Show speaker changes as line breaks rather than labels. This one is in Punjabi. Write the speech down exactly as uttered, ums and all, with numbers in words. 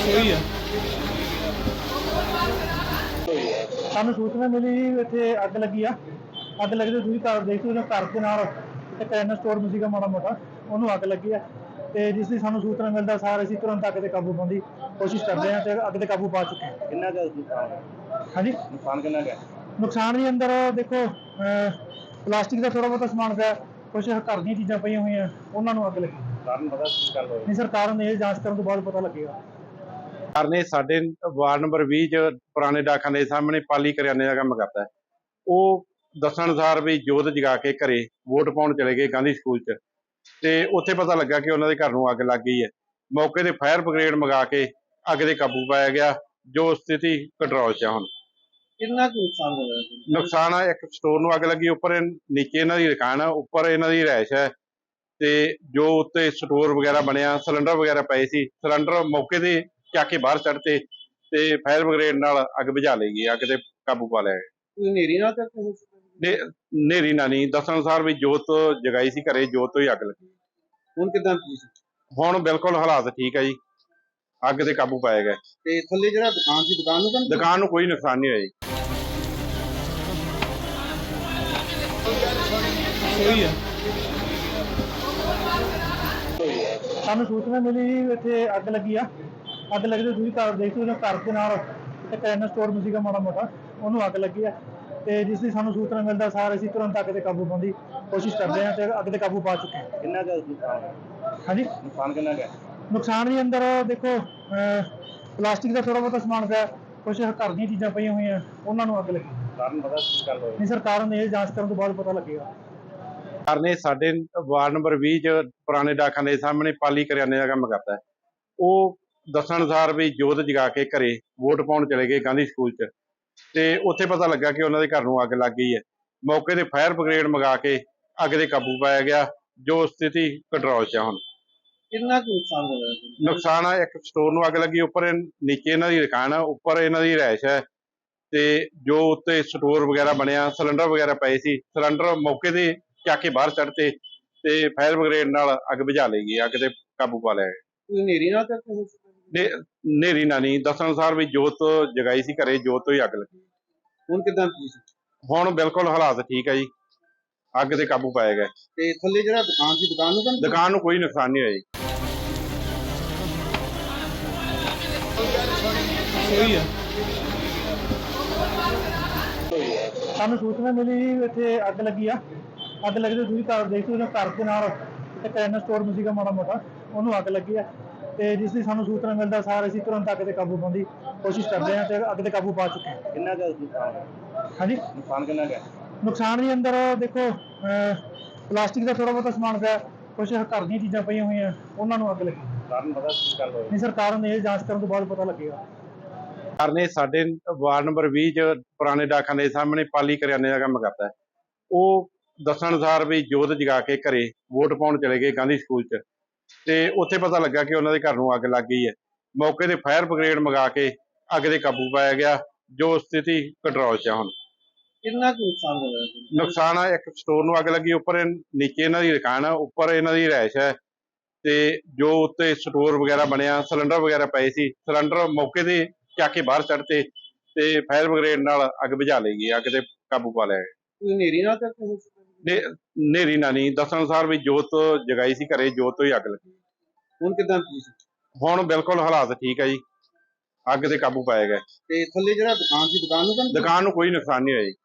ਹੋਈ ਆ। ਸਾਨੂੰ ਸੂਚਨਾ ਮਿਲੀ ਜੀ ਇੱਥੇ ਅੱਗ ਲੱਗੀ ਆ। ਅੱਗ ਲੱਗੀ ਤੇ ਤੁਸੀਂ ਘਰ ਦੇਖ ਸਕਦੇ ਹੋ, ਘਰ ਦੇ ਨਾਲ ਇੱਕ ਕਰਿਆਨਾ ਸਟੋਰ ਸੀਗਾ ਮਾੜਾ ਮੋਟਾ, ਉਹਨੂੰ ਅੱਗ ਲੱਗੀ ਆ। ਤੇ ਜਿਸ ਦੀ ਸਾਨੂੰ ਸੂਚਨਾ ਮਿਲਦਾ ਸਾਰ ਅਸੀਂ ਤੁਰੰਤ ਅੱਗ ਤੇ ਕਾਬੂ ਪਾਉਣ ਦੀ ਕੋਸ਼ਿਸ਼ ਕਰਦੇ ਹਾਂ ਤੇ ਅੱਗ ਤੇ ਕਾਬੂ ਪਾ ਚੁੱਕੇ ਹਾਂ।
ਕਿੰਨਾ ਕੁ ਨੁਕਸਾਨ ਹੈ?
ਹਾਂਜੀ,
ਨੁਕਸਾਨ ਕਿੰਨਾ ਕੁ ਹੈ?
ਨੁਕਸਾਨ ਵੀ ਅੰਦਰ ਦੇਖੋ ਪਲਾਸਟਿਕ ਦਾ ਥੋੜਾ ਬਹੁਤਾ ਸਮਾਨ ਪਿਆ, ਕੁਛ ਘਰ ਦੀਆਂ ਚੀਜ਼ਾਂ ਪਈਆਂ ਹੋਈਆਂ, ਉਹਨਾਂ ਨੂੰ ਅੱਗ ਲੱਗੀ।
ਕਾਰਨ ਪਤਾ ਕੀ ਗੱਲ ਹੋਈ?
ਨਹੀਂ ਸਰ, ਕਾਰਨ ਇਹ ਜਾਂਚ ਕਰਨ ਤੋਂ ਬਾਅਦ ਪਤਾ ਲੱਗੇਗਾ।
ਨੇ ਸਾਡੇ ਵਾਰਡ ਨੰਬਰ ਵੀਹ ਚ ਪੁਰਾਣੇ ਡਾਕਖਾਨੇ ਦੇ ਸਾਹਮਣੇ ਪਾਲੀ ਕਰਿਆਨੇ ਦਾ ਕੰਮ ਕਰਦਾ ਹੈ। ਉਹ ਦੱਸਣ ਅਨੁਸਾਰ ਵੀ ਜੋਤ ਜਗਾ ਕੇ ਘਰੇ ਵੋਟ ਪਾਉਣ ਚਲੇ ਗਏ ਗਾਂਧੀ ਸਕੂਲ ਚ, ਤੇ ਉੱਥੇ ਪਤਾ ਲੱਗਾ ਕਿ ਉਹਨਾਂ ਦੇ ਘਰ ਨੂੰ ਅੱਗ ਲੱਗ ਗਈ ਹੈ। ਮੌਕੇ ਤੇ ਫਾਇਰ ਬ੍ਰਿਗੇਡ ਮੰਗਾ ਕੇ ਅੱਗ ਦੇ ਕਾਬੂ ਪਾਇਆ ਗਿਆ, ਜੋ ਸਥਿਤੀ ਕੰਟਰੋਲ 'ਚ ਆ। ਹੁਣ
ਕਿੰਨਾ ਕੁ ਨੁਕਸਾਨ ਹੋਇਆ?
ਨੁਕਸਾਨ ਆ, ਇੱਕ ਸਟੋਰ ਨੂੰ ਅੱਗ ਲੱਗੀ, ਉੱਪਰ ਇਹ- ਨੀਚੇ ਇਹਨਾਂ ਦੀ ਦੁਕਾਨ ਆ, ਉੱਪਰ ਇਹਨਾਂ ਦੀ ਰਿਹਾਇਸ਼ ਹੈ। ਤੇ ਜੋ ਉੱਤੇ ਸਟੋਰ ਵਗੈਰਾ ਬਣਿਆ, ਸਿਲੰਡਰ ਵਗੈਰਾ ਪਏ ਸੀ, ਸਿਲੰਡਰ ਮੌਕੇ ਤੇ ਚੱਕ ਕੇ ਬਾਹਰ ਸੁੱਟਤੇ ਤੇ ਫਾਇਰ ਬ੍ਰਿਗੇਡ ਨਾਲ ਅੱਗ ਬੁਝਾ ਲਈ ਗਈ, ਅੱਗ ਤੇ ਕਾਬੂ ਪਾ ਲਿਆ ਗਿਆ।
ਕੋਈ ਹਨੇਰੀ ਨਾਲ ਤਾਂ ਹੋ
ਨੇ ਹਨੇਰੀ ਨਾ ਨਹੀਂ, ਦੱਸਣ ਅਨੁਸਾਰ ਵੀ ਜੋਤ ਜਗਾਈ ਸੀ ਘਰੇ, ਜੋਤ ਤੋਂ ਹੀ ਅੱਗ ਲੱਗੀ।
ਹੁਣ ਕਿਦਾਂ?
ਹੁਣ ਬਿਲਕੁਲ ਹਾਲਾਤ ਠੀਕ ਹੈ ਜੀ, ਅੱਗ ਤੇ ਕਾਬੂ ਪਾਇਆ ਗਿਆ।
ਤੇ ਥੱਲੇ ਜਿਹੜਾ ਦੁਕਾਨ ਸੀ, ਦੁਕਾਨ ਨੂੰ ਤਾਂ
ਦੁਕਾਨ ਨੂੰ ਕੋਈ ਨੁਕਸਾਨ ਨਹੀਂ ਹੋਇਆ ਜੀ।
ਹੋਈ ਆ। ਸਾਨੂੰ ਸੂਚਨਾ ਮਿਲੀ ਜੀ ਇੱਥੇ ਅੱਗ ਲੱਗੀ ਆ। ਅੱਗ ਲੱਗੀ ਤੇ ਤੁਸੀਂ ਘਰ ਦੇਖ ਸਕਦੇ ਹੋ, ਘਰ ਦੇ ਨਾਲ ਇੱਕ ਕਰਿਆਨਾ ਸਟੋਰ ਸੀਗਾ ਮਾੜਾ ਮੋਟਾ, ਉਹਨੂੰ ਅੱਗ ਲੱਗੀ ਆ। ਤੇ ਜਿਸ ਦੀ ਸਾਨੂੰ ਸੂਚਨਾ ਮਿਲਦਾ ਸਾਰ ਅਸੀਂ ਤੁਰੰਤ ਅੱਗ ਤੇ ਕਾਬੂ ਪਾਉਣ ਦੀ ਕੋਸ਼ਿਸ਼ ਕਰਦੇ ਹਾਂ ਤੇ ਅੱਗ ਤੇ ਕਾਬੂ ਪਾ ਚੁੱਕੇ ਹਾਂ।
ਕਿੰਨਾ ਕੁ ਨੁਕਸਾਨ ਹੈ?
ਹਾਂਜੀ,
ਨੁਕਸਾਨ ਕਿੰਨਾ ਕੁ ਹੈ?
ਨੁਕਸਾਨ ਵੀ ਅੰਦਰ ਦੇਖੋ ਪਲਾਸਟਿਕ ਦਾ ਥੋੜਾ ਬਹੁਤਾ ਸਮਾਨ ਪਿਆ, ਕੁਛ ਘਰ ਦੀਆਂ ਚੀਜ਼ਾਂ ਪਈਆਂ ਹੋਈਆਂ, ਉਹਨਾਂ ਨੂੰ ਅੱਗ ਲੱਗੀ।
ਕਾਰਨ ਪਤਾ ਕੀ ਗੱਲ ਹੋਈ?
ਨਹੀਂ ਸਰ, ਕਾਰਨ ਇਹ ਜਾਂਚ ਕਰਨ ਤੋਂ ਬਾਅਦ ਪਤਾ ਲੱਗੇਗਾ।
ਨੇ ਸਾਡੇ ਵਾਰਡ ਨੰਬਰ ਵੀਹ ਚ ਪੁਰਾਣੇ ਡਾਕਖਾਨੇ ਦੇ ਸਾਹਮਣੇ ਪਾਲੀ ਕਰਿਆਨੇ ਦਾ ਕੰਮ ਕਰਦਾ ਹੈ। ਉਹ ਦੱਸਣ ਅਨੁਸਾਰ ਵੀ ਜੋਤ ਜਗਾ ਕੇ ਘਰੇ ਵੋਟ ਪਾਉਣ ਚਲੇ ਗਏ ਗਾਂਧੀ ਸਕੂਲ ਚ, ਤੇ ਉੱਥੇ ਪਤਾ ਲੱਗਾ ਕਿ ਉਹਨਾਂ ਦੇ ਘਰ ਨੂੰ ਅੱਗ ਲੱਗ ਗਈ ਹੈ। ਮੌਕੇ ਤੇ ਫਾਇਰ ਬ੍ਰਿਗੇਡ ਮੰਗਾ ਕੇ ਅੱਗ ਦੇ ਕਾਬੂ ਪਾਇਆ ਗਿਆ, ਜੋ ਸਥਿਤੀ ਕੰਟਰੋਲ 'ਚ ਆ। ਹੁਣ
ਕਿੰਨਾ ਕੁ ਨੁਕਸਾਨ ਹੋਇਆ?
ਨੁਕਸਾਨ ਆ, ਇੱਕ ਸਟੋਰ ਨੂੰ ਅੱਗ ਲੱਗੀ, ਉੱਪਰ ਇਹ- ਨੀਚੇ ਇਹਨਾਂ ਦੀ ਦੁਕਾਨ ਆ, ਉੱਪਰ ਇਹਨਾਂ ਦੀ ਰਿਹਾਇਸ਼ ਹੈ। ਤੇ ਜੋ ਉੱਤੇ ਸਟੋਰ ਵਗੈਰਾ ਬਣਿਆ, ਸਿਲੰਡਰ ਵਗੈਰਾ ਪਏ ਸੀ, ਸਿਲੰਡਰ ਮੌਕੇ ਤੇ ਚੱਕ ਕੇ ਬਾਹਰ ਸੁੱਟਤੇ ਤੇ ਫਾਇਰ ਬ੍ਰਿਗੇਡ ਨਾਲ ਅੱਗ ਬੁਝਾ ਲਈ ਗਈ, ਅੱਗ ਤੇ ਕਾਬੂ ਪਾ ਲਿਆ ਗਿਆ।
ਕੋਈ ਹਨੇਰੀ ਨਾਲ ਤਾਂ ਹੋ
ਨੇ ਹਨੇਰੀ ਨਾ ਨਹੀਂ, ਦੱਸਣ ਅਨੁਸਾਰ ਵੀ ਜੋਤ ਜਗਾਈ ਸੀ ਘਰੇ, ਜੋਤ ਤੋਂ ਹੀ ਅੱਗ ਲੱਗੀ।
ਹੁਣ ਕਿਦਾਂ?
ਹੁਣ ਬਿਲਕੁਲ ਹਾਲਾਤ ਠੀਕ ਹੈ ਜੀ, ਅੱਗ ਤੇ ਕਾਬੂ ਪਾਇਆ ਗਿਆ।
ਤੇ ਥੱਲੇ ਜਿਹੜਾ ਦੁਕਾਨ ਸੀ, ਦੁਕਾਨ ਨੂੰ ਤਾਂ
ਦੁਕਾਨ ਨੂੰ ਕੋਈ ਨੁਕਸਾਨ ਨਹੀਂ ਹੋਇਆ ਜੀ।
ਹੋਈ ਆ। ਸਾਨੂੰ ਸੂਚਨਾ ਮਿਲੀ ਜੀ ਇੱਥੇ ਅੱਗ ਲੱਗੀ ਆ। ਅੱਗ ਲੱਗੀ ਤੇ ਤੁਸੀਂ ਘਰ ਦੇਖ ਸਕਦੇ ਹੋ, ਘਰ ਦੇ ਨਾਲ ਇੱਕ ਕਰਿਆਨਾ ਸਟੋਰ ਸੀਗਾ ਮਾੜਾ ਮੋਟਾ, ਉਹਨੂੰ ਅੱਗ ਲੱਗੀ ਆ। ਤੇ ਜਿਸ ਦੀ ਸਾਨੂੰ ਸੂਚਨਾ ਮਿਲਦਾ ਸਾਰ ਅਸੀਂ ਤੁਰੰਤ ਅੱਗ ਤੇ ਕਾਬੂ ਪਾਉਣ ਦੀ ਕੋਸ਼ਿਸ਼ ਕਰਦੇ ਹਾਂ ਤੇ ਅੱਗ ਤੇ ਕਾਬੂ ਪਾ ਚੁੱਕੇ ਹਾਂ।
ਕਿੰਨਾ ਕੁ ਨੁਕਸਾਨ ਹੈ?
ਹਾਂਜੀ,
ਨੁਕਸਾਨ ਕਿੰਨਾ ਕੁ ਹੈ?
ਨੁਕਸਾਨ ਵੀ ਅੰਦਰ ਦੇਖੋ ਪਲਾਸਟਿਕ ਦਾ ਥੋੜਾ ਬਹੁਤਾ ਸਮਾਨ ਪਿਆ, ਕੁਛ ਘਰ ਦੀਆਂ ਚੀਜ਼ਾਂ ਪਈਆਂ ਹੋਈਆਂ, ਉਹਨਾਂ ਨੂੰ ਅੱਗ ਲੱਗੀ।
ਕਾਰਨ ਪਤਾ ਕੀ ਗੱਲ ਹੋਈ?
ਨਹੀਂ ਸਰ, ਕਾਰਨ ਇਹ ਜਾਂਚ ਕਰਨ ਤੋਂ ਬਾਅਦ ਪਤਾ ਲੱਗੇਗਾ।
ਨੇ ਸਾਡੇ ਵਾਰਡ ਨੰਬਰ ਵੀਹ ਚ ਪੁਰਾਣੇ ਡਾਕਖਾਨੇ ਦੇ ਸਾਹਮਣੇ ਪਾਲੀ ਕਰਿਆਨੇ ਦਾ ਕੰਮ ਕਰਦਾ ਹੈ। ਉਹ ਦੱਸਣ ਅਨੁਸਾਰ ਵੀ ਜੋਤ ਜਗਾ ਕੇ ਘਰੇ ਵੋਟ ਪਾਉਣ ਚਲੇ ਗਏ ਗਾਂਧੀ ਸਕੂਲ ਚ, ਤੇ ਉੱਥੇ ਪਤਾ ਲੱਗਾ ਕਿ ਉਹਨਾਂ ਦੇ ਘਰ ਨੂੰ ਅੱਗ ਲੱਗ ਗਈ ਹੈ। ਮੌਕੇ ਤੇ ਫਾਇਰ ਬ੍ਰਿਗੇਡ ਮੰਗਾ ਕੇ ਅੱਗ ਦੇ ਕਾਬੂ ਪਾਇਆ ਗਿਆ, ਜੋ ਸਥਿਤੀ ਕੰਟਰੋਲ 'ਚ ਆ। ਹੁਣ
ਕਿੰਨਾ ਕੁ ਨੁਕਸਾਨ ਹੋਇਆ?
ਨੁਕਸਾਨ ਆ, ਇੱਕ ਸਟੋਰ ਨੂੰ ਅੱਗ ਲੱਗੀ, ਉੱਪਰ ਇਹ- ਨੀਚੇ ਇਹਨਾਂ ਦੀ ਦੁਕਾਨ ਆ, ਉੱਪਰ ਇਹਨਾਂ ਦੀ ਰਿਹਾਇਸ਼ ਹੈ। ਤੇ ਜੋ ਉੱਤੇ ਸਟੋਰ ਵਗੈਰਾ ਬਣਿਆ, ਸਿਲੰਡਰ ਵਗੈਰਾ ਪਏ ਸੀ, ਸਿਲੰਡਰ ਮੌਕੇ ਤੇ ਚੱਕ ਕੇ ਬਾਹਰ ਸੁੱਟਤੇ ਤੇ ਫਾਇਰ ਬ੍ਰਿਗੇਡ ਨਾਲ ਅੱਗ ਬੁਝਾ ਲਈ ਗਈ, ਅੱਗ ਤੇ ਕਾਬੂ ਪਾ ਲਿਆ ਗਿਆ।
ਕੋਈ ਹਨੇਰੀ ਨਾਲ ਤਾਂ ਹੋ
ਨੇ ਹਨੇਰੀ ਨਾ ਨਹੀਂ, ਦੱਸਣ ਅਨੁਸਾਰ ਵੀ ਜੋਤ ਜਗਾਈ ਸੀ ਘਰੇ, ਜੋਤ ਤੋਂ ਹੀ ਅੱਗ ਲੱਗੀ।
ਹੁਣ ਕਿਦਾਂ?
ਹੁਣ ਬਿਲਕੁਲ ਹਾਲਾਤ ਠੀਕ ਹੈ ਜੀ, ਅੱਗ ਤੇ ਕਾਬੂ ਪਾਇਆ ਗਿਆ।
ਤੇ ਥੱਲੇ ਜਿਹੜਾ ਦੁਕਾਨ ਸੀ, ਦੁਕਾਨ ਨੂੰ ਤਾਂ
ਦੁਕਾਨ ਨੂੰ ਕੋਈ ਨੁਕਸਾਨ ਨਹੀਂ ਹੋਇਆ ਜੀ।